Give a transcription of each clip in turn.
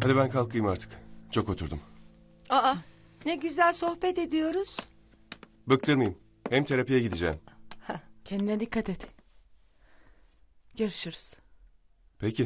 Hadi ben kalkayım artık. Çok oturdum. Aa, ne güzel sohbet ediyoruz. Bıktırmayayım. Hem terapiye gideceğim. Kendine dikkat et. Görüşürüz. Peki.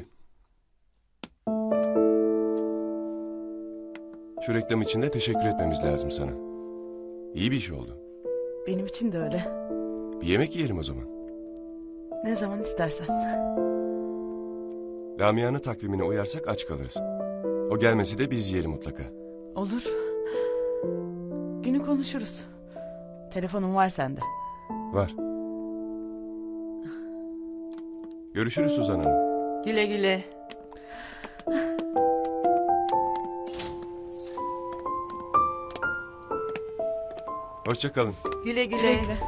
Şu reklam için de teşekkür etmemiz lazım sana. İyi bir iş oldu. Benim için de öyle. Bir yemek yiyelim o zaman. Ne zaman istersen. Lamia'nın takvimine uyarsak aç kalırız. O gelmesi de biz yiyelim mutlaka. Olur. Günü konuşuruz. Telefonum var sende. Var. Görüşürüz Suzan Hanım. Güle güle. Hoşça kalın. Güle güle. Güle güle.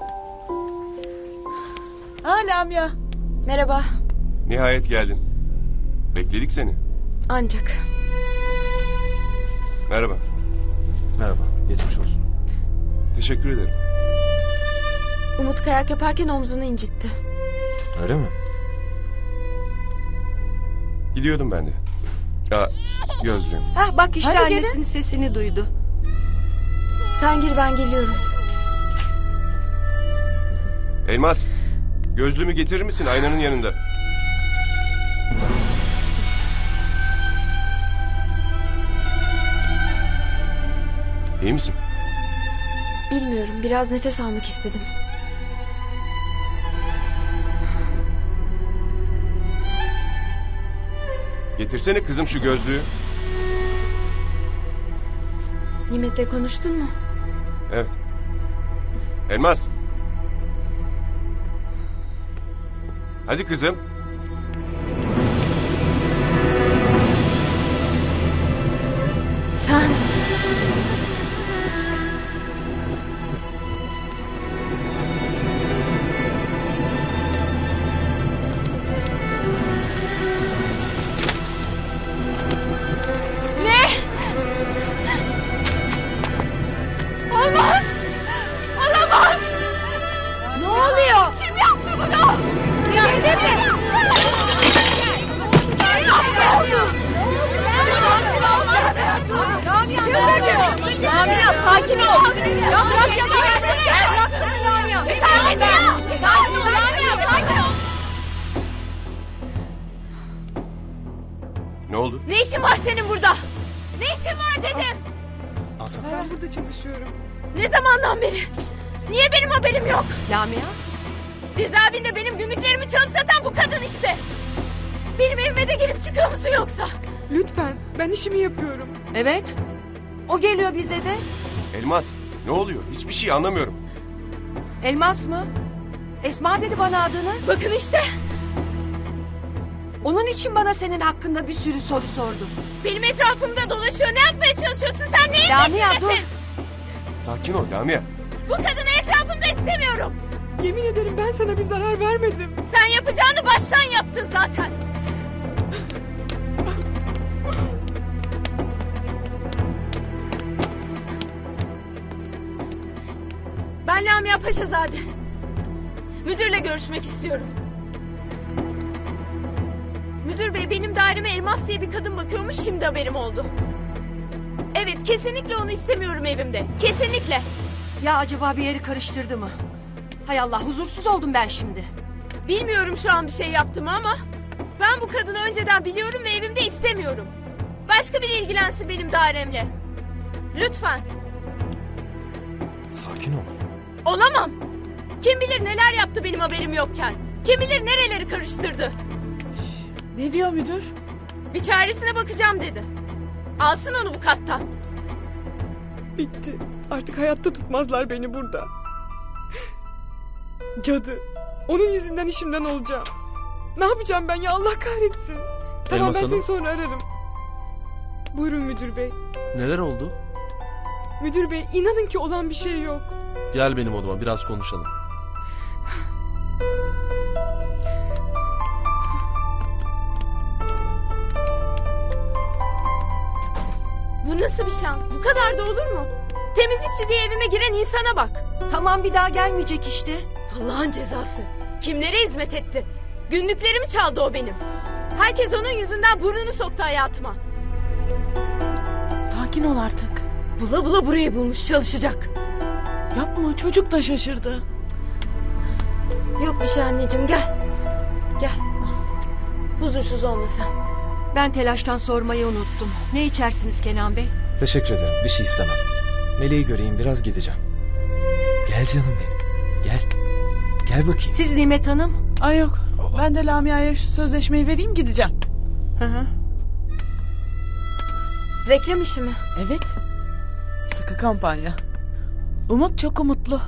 Lamia. Merhaba. Nihayet geldin. Bekledik seni. Ancak. Merhaba. Merhaba, geçmiş olsun. Teşekkür ederim. Umut kayak yaparken omzunu incitti. Öyle mi? Gidiyordum ben de. Gözlüğüm. Hah bak işte Hadi annesinin sesini duydu. Sen gir, ben geliyorum. Elmas. Gözlüğümü getirir misin aynanın yanında? İyi misin? Bilmiyorum, biraz nefes almak istedim. Getirsene kızım şu gözlüğü. Nimet'le konuştun mu? Evet. Elmas. Hadi kızım. Sen... Ne? Olmaz! Olamaz! Ne oluyor? Kim yaptı bunu? Girdin mi? Kim yaptı? Lamia sakin ol. Ya bırak yapamazsın. Bıraksana Lamia. Lamia sakin ol. Ne oldu? Ne işin var senin burada? Ne işin var dedim. Asıl. Ben burada çalışıyorum. Ne zamandan beri? Niye benim haberim yok? Lamia. Cezaevinde benim günlüklerimi çalıp satan bu kadın işte. Benim evime de girip çıkıyor musun yoksa? Lütfen, ben işimi yapıyorum. Evet. O geliyor bize de. Elmas. Ne oluyor? Hiçbir şey anlamıyorum. Elmas mı? Esma dedi bana adını. Bakın işte. Onun için bana senin hakkında bir sürü soru sordu. Benim etrafımda dolaşıyor. Ne yapmaya çalışıyorsun sen? Neyin Lamia peşindesin? dur. Sakin ol Lamia. Bu kadını etrafımda istemiyorum. Yemin ederim ben sana bir zarar vermedim. Sen yapacağını baştan yaptın zaten. Ben Lamia Paşazade. Müdürle görüşmek istiyorum. Müdür bey, benim daireme Elmas diye bir kadın bakıyormuş, şimdi haberim oldu. Evet, kesinlikle onu istemiyorum evimde. Kesinlikle. Ya acaba bir yeri karıştırdı mı? Hay Allah, huzursuz oldum ben şimdi. Bilmiyorum şu an bir şey yaptım ama ben bu kadını önceden biliyorum ve evimde istemiyorum. Başka biri ilgilensin benim dairemle. Lütfen. Sakin ol. Olamam. Kim bilir neler yaptı benim haberim yokken. Kim bilir nereleri karıştırdı. Ne diyor müdür? Bir çaresine bakacağım dedi. Alsın onu bu kattan. Bitti. Artık hayatta tutmazlar beni burada. Cadı. Onun yüzünden işimden olacağım. Ne yapacağım ben ya, Allah kahretsin. Tamam, Elmas ben Hanım. seni sonra ararım. Buyurun müdür bey. Neler oldu? Müdür bey, inanın ki olan bir şey yok. Gel benim odama, biraz konuşalım. Bu nasıl bir şans? Bu kadar da olur mu? Temizlikçi diye evime giren insana bak. Tamam, bir daha gelmeyecek işte. Allah'ın cezası. Kimlere hizmet etti? Günlüklerimi çaldı o benim. Herkes onun yüzünden burnunu soktu hayatıma. Sakin ol artık. Bula bula burayı bulmuş çalışacak. Yapma, çocuk da şaşırdı. Yok bir şey anneciğim, gel. Gel. Huzursuz olma sen. Ben telaştan sormayı unuttum. Ne içersiniz Kenan Bey? Teşekkür ederim. Bir şey istemem. Meleği göreyim, biraz gideceğim. Gel canım benim. Gel. Gel bakayım. Siz Nimet Hanım? Ay yok. Ben de Lamia'ya şu sözleşmeyi vereyim, gideceğim. Hı hı. Reklam işi mi? Evet. Sıkı kampanya. Umut çok umutlu.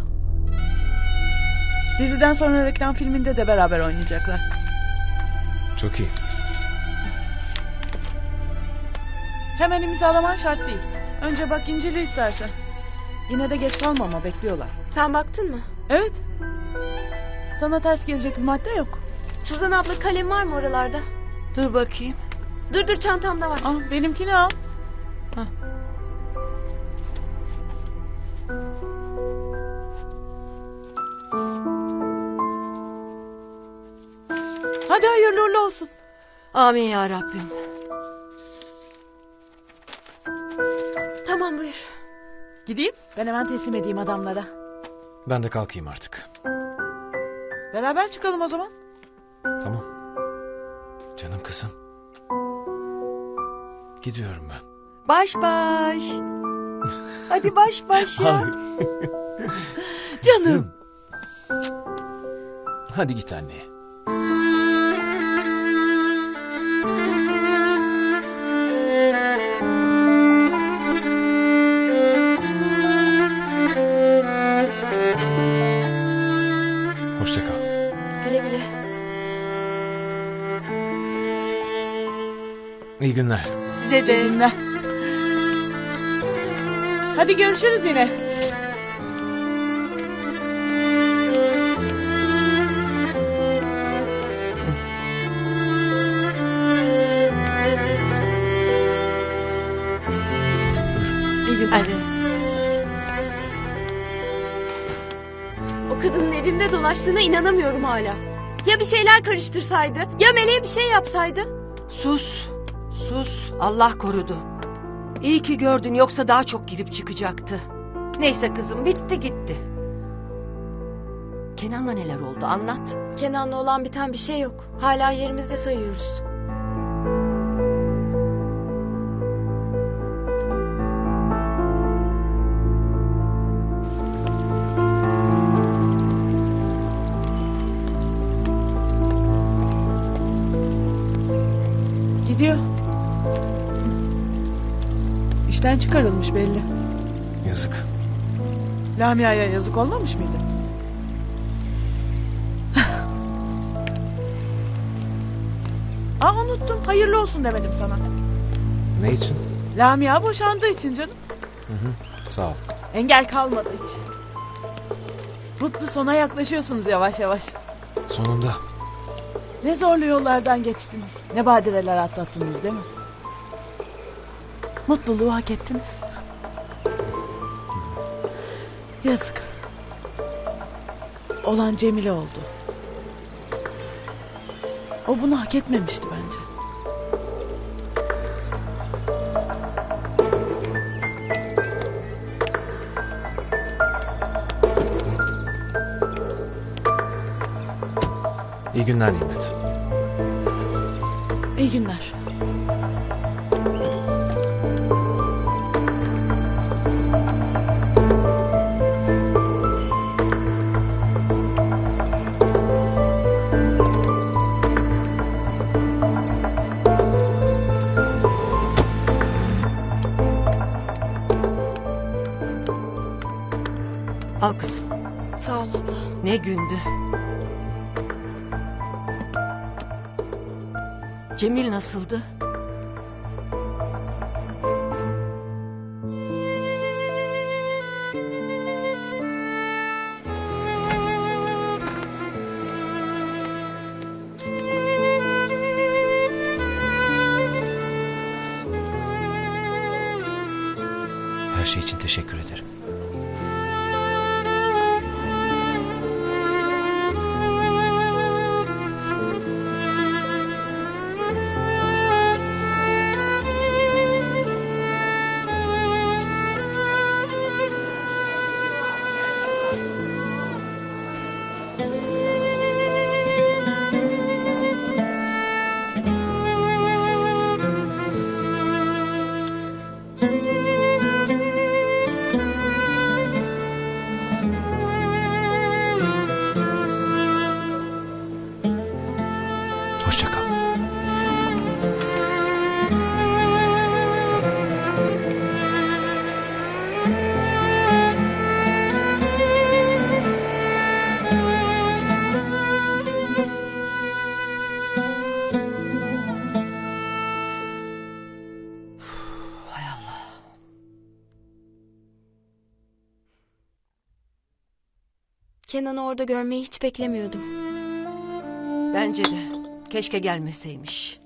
Diziden sonra reklam filminde de beraber oynayacaklar. Çok iyi. Hemen imzalaman şart değil. Önce bak, incele istersen. Yine de geç kalma ama, bekliyorlar. Sen baktın mı? Evet. Sana ters gelecek bir madde yok. Suzan abla, kalem var mı oralarda? Dur bakayım. Dur çantamda var. Ah, benimkini al. Hah. Hadi hayırlı uğurlu olsun. Amin ya Rabbim. Tamam, buyur. Gideyim, ben hemen teslim edeyim adamlara. Ben de kalkayım artık. Beraber çıkalım o zaman. Tamam. Canım kızım. Gidiyorum ben. Baş baş. Hadi baş baş ya. Canım. Hadi git anneye. Hoşça kal. Güle güle. İyi günler. Size de. Dinle. Hadi görüşürüz yine. İyi günler. Hadi. O kadının evimde dolaştığına inanamıyorum hala. Ya bir şeyler karıştırsaydı? Ya Meleğe bir şey yapsaydı? Sus. Sus. Allah korudu. İyi ki gördün, yoksa daha çok girip çıkacaktı. Neyse kızım, bitti gitti. Kenan'la neler oldu, anlat. Kenan'la olan biten bir şey yok. Hala yerimizde sayıyoruz. Gidiyor. İşten çıkarılmış belli. Yazık. Lamia'ya yazık olmamış mıydı? Unuttum. Hayırlı olsun demedim sana. Ne için? Lamia boşandığı için canım. Hı hı. Sağ ol. Engel kalmadı hiç. Mutlu sona yaklaşıyorsunuz yavaş yavaş. Sonunda. Ne zorlu yollardan geçtiniz. Ne badireler atlattınız değil mi? Mutluluğu hak ettiniz. Yazık. Olan Cemile oldu. O bunu hak etmemişti bence. İyi günler Nimet. İyi günler. Al kızım. Sağ ol abla. Ne gündü. Cemil nasıldı? Her şey için teşekkür ederim. Kenan'ı orada görmeyi hiç beklemiyordum. Bence de. Keşke gelmeseymiş.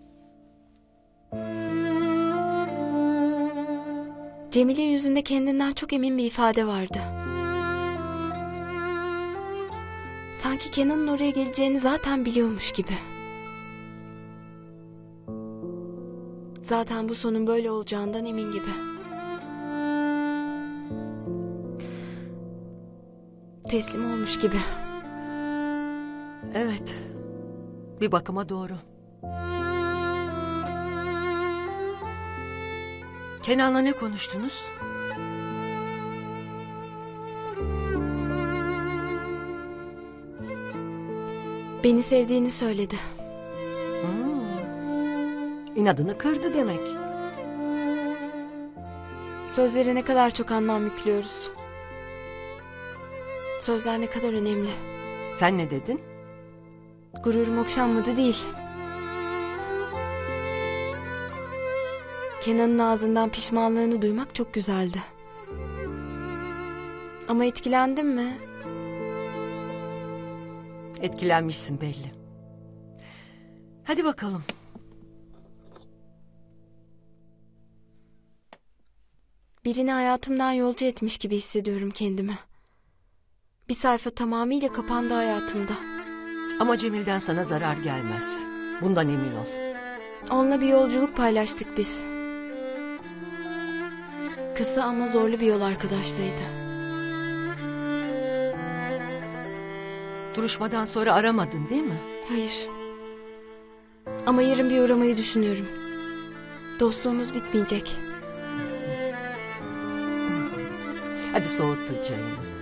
Cemil'in yüzünde kendinden çok emin bir ifade vardı. Sanki Kenan'ın oraya geleceğini zaten biliyormuş gibi. Zaten bu sonun böyle olacağından emin gibi. Teslim olmuş gibi. Evet. Bir bakıma doğru. Kenan'la ne konuştunuz? Beni sevdiğini söyledi. İnadını kırdı demek. Sözlere ne kadar çok anlam yüklüyoruz. Sözler ne kadar önemli. Sen ne dedin? Gururum okşanmadı değil. Kenan'ın ağzından pişmanlığını duymak çok güzeldi. Ama etkilendim mi? Etkilenmişsin belli. Hadi bakalım. Birini hayatımdan yolcu etmiş gibi hissediyorum kendimi. Bir sayfa tamamıyla kapandı hayatımda. Ama Cemil'den sana zarar gelmez. Bundan emin ol. Onunla bir yolculuk paylaştık biz. Kısa ama zorlu bir yol arkadaşlığıydı. Duruşmadan sonra aramadın değil mi? Hayır. Ama yarın bir uğramayı düşünüyorum. Dostluğumuz bitmeyecek. Hadi soğuttun çayını.